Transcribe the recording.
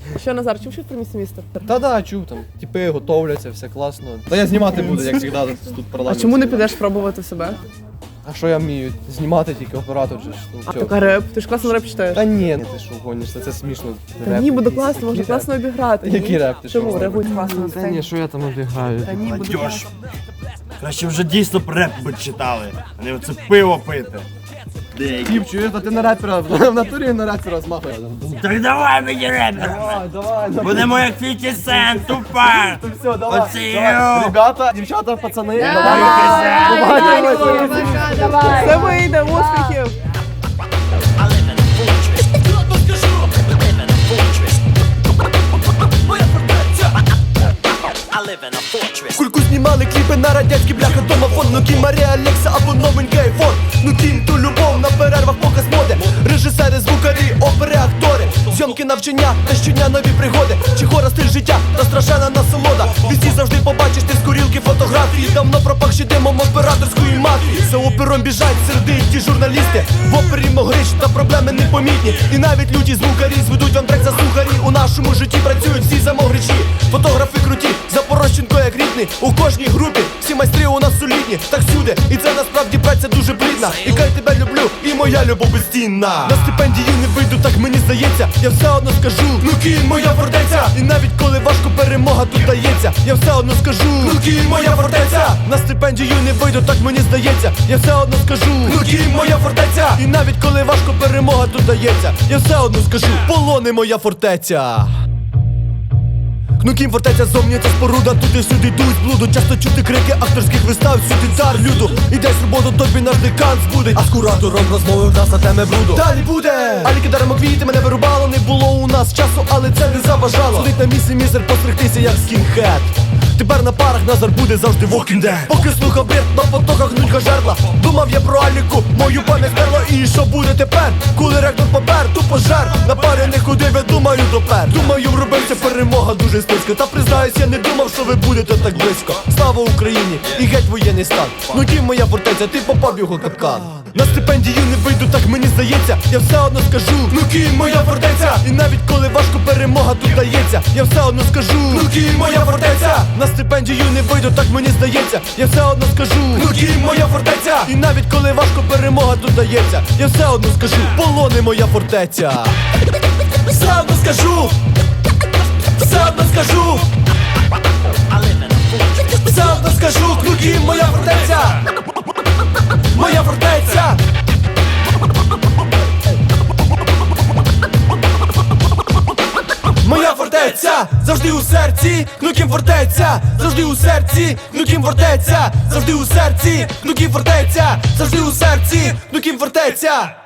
Що, Назар, чув щось про місце місто? Та чув там. Типи готовляться, все класно. Та я знімати буду, як завжди, тут А парламент. чому не підеш пробувати себе? А що я вмію? Знімати тільки оператор же ж. А така реп? Ти ж класно реп читаєш. Та ні, ти що гониш, це смішно. Та ні, буде класно, можна класно обіграти. Який реп? Ти що? Чому? Реагують класно на Та сцені. ні, що я там обіграю? Та ні, буде Молодьож. Краще вже дійсно реп би читали, а не оце пиво пити. Тіп, чуєш, та ти на репера, в натурі на репера змахує. Так давай мені репер! Давай. Будемо як 50 Cent, тупа! Все, давай. Оці, Ребята, дівчата, пацани, Все вийде, успіхів! Кульку знімали кліпи на радянські бляха домофон. Ну кім Марія Алекса або новенький айфон. Ну кім ту любов на перервах показ моди. Режисери, звукарі, опери, актори. Зйомки, навчання та щодня нові пригоди. Чехора, стиль життя та страшенна насолода. Візді завжди побачиш ти з курілки фотографії. Давно пропахши димом операторської мафії. За опером біжать серди ті журналісти. В опері могрич та проблеми непомітні. І навіть люті звукарі зведуть вам трек за сухарі. У нашому житті працюють всі замогричі. Фотографи круті, Запорожченко як рідний. У кожній групі всі майстри у нас солідні. Так всюди, і це насправді праця дуже плідна. І кай тебе люблю, і моя любов безцінна. На стипендію не вийду, так мені здається. Я все одно скажу, ну кінь моя фортеця. І навіть коли важко перемога тут дається, я все одно скажу, ну кінь моя фортеця. На стипендію не вийду, так мені здається. Я все одно скажу, ну кінь моя фортеця. І навіть коли важко перемога тут дається, я все одно скажу, полони моя фортеця. Кнукім фортеця зовні це споруда, туди-сюди йдуть з блуду. Часто чути крики авторських вистав, сюди цар люду. І десь роботу тобі наш декан збудить. А з куратором розмови в нас на теми бруду. Далі буде! Алі кидаримо квіти, мене вирубало. Не було у нас часу, але це не заважало. Сидить на місці мізер, постригтися як скінхед. Тепер на парах Назар буде завжди Walking Dead. Поки слухав бред, на потоках нудьга жерла. Думав я про Аліку, мою пам'ять стерла. І що буде тепер, коли ректор попер? Тупо жер, на парі не ходив, я думаю допер. Думаю, вробився перемога дуже стиска. Та признаюсь, я не думав, що ви будете так близько. Слава Україні і геть воєнний стан. Ну кім моя фортеця, ти попав в його капкан. На стипендію не вийду, так мені здається. Я все одно скажу, ну кінь моя фортеця. І навіть коли важко перемога тут дається, я все одно скажу, ну кінь моя фортеця. На стипендію не вийду, так мені здається. Я все одно скажу, ну кінь моя фортеця. І навіть коли важко перемога тут дається, я все одно скажу, полони моя фортеця. Все одно скажу, все одно скажу, все одно скажу, ну кінь моя фортеця. Моя фортеця. Моя фортеця, завжди у серці, Кнукім фортеця, завжди у серці, Кнукім фортеця, завжди у серці, Кнукім фортеця, завжди у серці, Кнукім фортеця.